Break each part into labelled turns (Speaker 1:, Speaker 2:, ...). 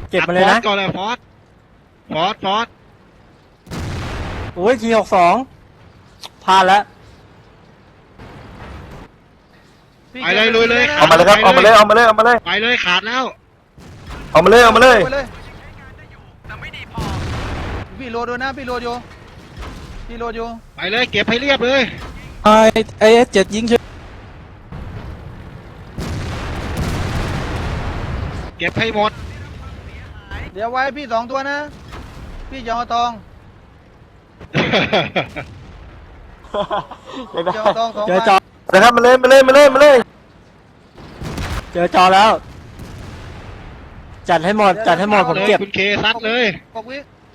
Speaker 1: เก็บมาเลยนะ
Speaker 2: ก่อนเลยฟอส
Speaker 1: โอ้ยที62พลาดแล้ว
Speaker 2: ไปเลยลุยเลย
Speaker 3: เอามาเลยครับเอามาเลย
Speaker 2: ไปเลยขาดแล้ว
Speaker 3: เอามาเลย
Speaker 4: พี่โหลดด้วยนะพี่โหลดอยู่
Speaker 2: ไปเลยเก็บให้เรียบเลย
Speaker 1: ไอ7ยิงเฉย
Speaker 2: เก็บให้หมด
Speaker 4: เดี๋ยวไว้พี่2 ตัวนะพี่จะเอาทองจะเอาทอง2
Speaker 1: เจอจอ
Speaker 3: นะครับมาเลย
Speaker 1: เจอจอแล้ว จัดให้หมดผมเก็บ
Speaker 2: คุณเคซัดเลย
Speaker 4: 6 วิ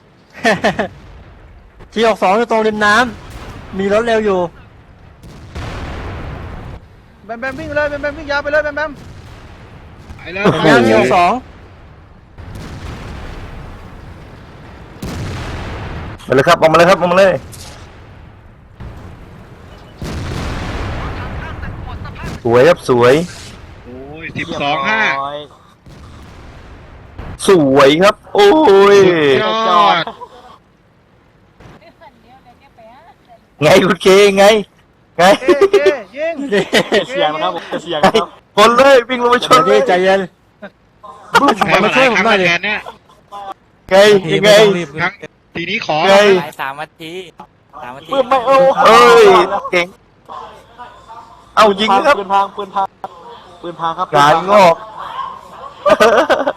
Speaker 1: ที62อยู่ตรงริมน้ำมีรถเร็วอยู่
Speaker 4: แบมวิ่งเลยแบมวิ่งยาวไปเลยแบม
Speaker 2: ไปเลย
Speaker 1: ย่างที62
Speaker 3: มาเลยครับเอามาเลย สวยครับสวย
Speaker 2: โอ้ย12-5
Speaker 3: สวยครับ โอ้ย
Speaker 2: ยอด
Speaker 3: ไงคุณเคไง
Speaker 4: เอ๊ยิง
Speaker 1: เสียงนะครับผมเสียงครับ
Speaker 3: คนเลยวิ่งลงไปชนเล
Speaker 1: พี่
Speaker 3: ย
Speaker 1: ใจเย็น
Speaker 2: แพ้มาหลายครั้งแล้วแทนเนี่ย
Speaker 3: ไงยังไง
Speaker 2: ครั้งทีนี้ขอ
Speaker 3: ไง
Speaker 5: 3 นาที3 นาที
Speaker 3: เอ้ยเก่งเอายิงครับ
Speaker 1: ปืนพังครับ
Speaker 3: การงอก